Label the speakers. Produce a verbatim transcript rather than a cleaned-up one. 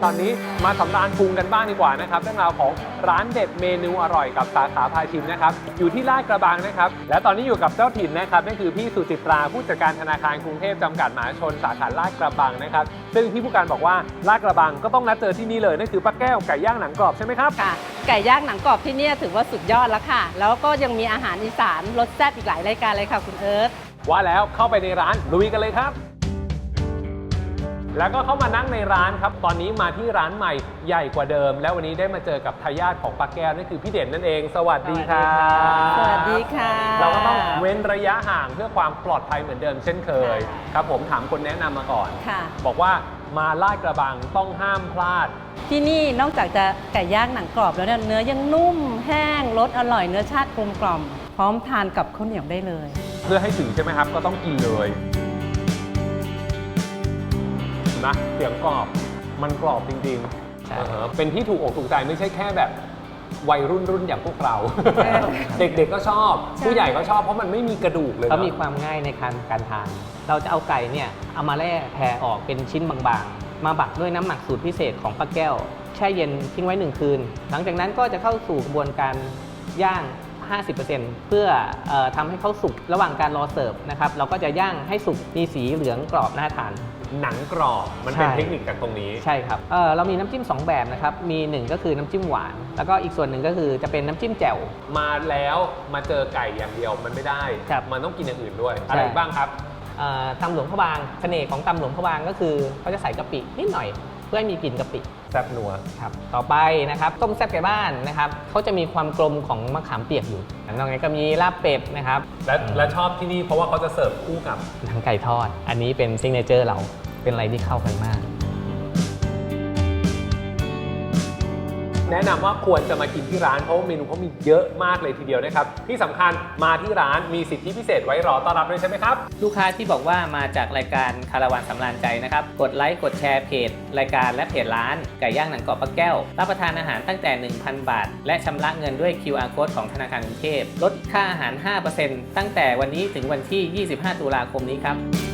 Speaker 1: ตอนนี้มาสำราญพุงกันบ้างดีกว่านะครับเรื่องราวของร้านเด็ดเมนูอร่อยกับสาขาพาชิมนะครับอยู่ที่ลาดกระบังนะครับและตอนนี้อยู่กับเจ้าถิ่นนะครับนั่นคือพี่สุจิตราผู้จัดการธนาคารกรุงเทพจำกัดมหาชนสาขาลาดกระบังนะครับซึ่งพี่ผู้การบอกว่าลาดกระบังก็ต้องนัดเจอที่นี่เลยนั่นคือป้าแก้วไก่ย่างหนังกรอบใช่ไหมครับ
Speaker 2: ค่ะไก่ย่างหนังกรอบที่นี่ถือว่าสุดยอดแล้วค่ะแล้วก็ยังมีอาหารอีสานรสแซ่บอีกหลายรายการเลยค่ะคุณเอิร์ธ
Speaker 1: ว่าแล้วเข้าไปในร้านลุยกันเลยครับแล้วก็เข้ามานั่งในร้านครับตอนนี้มาที่ร้านใหม่ใหญ่กว่าเดิมแล้ววันนี้ได้มาเจอกับทายาทของป้าแก้วนั่นคือพี่เด่นนั่นเองสวัสดีครับ
Speaker 2: สวัสดีค่ะ
Speaker 1: เราก็ต้องเว้นระยะห่างเพื่อความปลอดภัยเหมือนเดิมเช่นเคยครับผมถามคนแนะนำมาก่อนบอกว่ามาลาดกระบังต้องห้ามพลาด
Speaker 2: ที่นี่นอกจากจะไก่ย่างหนังกรอบแล้วเนี่ยเนื้อยังนุ่มแห้งรสอร่อยเนื้อชาติกลมกล่อมพร้อมทานกับข้าวเหนียวได้เลย
Speaker 1: เพื่อให้ถึงใช่ไหมครับก็ต้องกินเลยนะเสียงกรอบมันกรอบจริงๆเป็นที่ถูกอกถูกใจไม่ใช่แค่แบบวัยรุ่นรุ่นอย่างพวกเรา เด็กๆก็ชอบผู้ใหญ่ก็ชอบเพราะมันไม่มีกระดูกเลย
Speaker 3: เขามีความง่ายในการการทานเราจะเอาไก่เนี่ยเอามาแล่แผ่ออกเป็นชิ้นบางๆมาบักด้วยน้ำหมักสูตรพิเศษของป้าแก้วแช่เย็นทิ้งไว้หนึ่งคืนหลังจากนั้นก็จะเข้าสู่กระบวนการย่าง ห้าสิบเปอร์เซ็นต์ เพื่อเอ่อทำให้เขาสุกระหว่างการรอเสิร์ฟนะครับเราก็จะย่างให้สุกมีสีเหลืองกรอบน่าทาน
Speaker 1: หนังกรอบมันเป็นเทคนิคจากตรงนี้
Speaker 3: ใช่ครับ เ, เรามีน้ำจิ้มสองแบบนะครับมีหนึ่งก็คือน้ำจิ้มหวานแล้วก็อีกส่วนหนึ่งก็คือจะเป็นน้ำจิ้มแจ่ว
Speaker 1: มาแล้วมาเจอไก่อย่างเดียวมันไม่ได้มันต้องกินอย่างอื่นด้วยอะไรบ้างครับ
Speaker 3: ตำหลวงพระบางเสน่ห์ของตำหลวงพระบางก็คือเขาจะใส่กะปินิดหน่อยเพื่อให้มีกลิ่นกะปิ
Speaker 1: แซ่บนัว
Speaker 3: ครับต่อไปนะครับต้มแซ่บไก่บ้านนะครับเขาจะมีความกลมของมะขามเปียกอยู่นอกจากนี้ก็มีลาบเป็ดนะครับ
Speaker 1: และและชอบที่นี่เพราะว่าเขาจะเสิร์ฟคู่กับ
Speaker 3: หนังไก่ทอดอันนี้เป็นซิกเนเจอร์เราเป็นอะไรที่เข้ากันมาก
Speaker 1: แนะนำว่าควรจะมากินที่ร้านเพราะเมนูเขามีเยอะมากเลยทีเดียวนะครับที่สำคัญมาที่ร้านมีสิทธิพิเศษไว้รอต้อนรับด้วยใช่ไหมครับ
Speaker 3: ลูกค้าที่บอกว่ามาจากรายการคาราวานสำราญใจนะครับกดไลค์กดแชร์เพจรายการและเพจร้านไก่ย่างหนังกรอบป้าแก้วรับประทานอาหารตั้งแต่ หนึ่งพัน บาทและชำระเงินด้วย คิว อาร์ Code ของธนาคารกรุงเทพลดค่าอาหาร ห้าเปอร์เซ็นต์ ตั้งแต่วันนี้ถึงวันที่ ยี่สิบห้า ตุลาคมนี้ครับ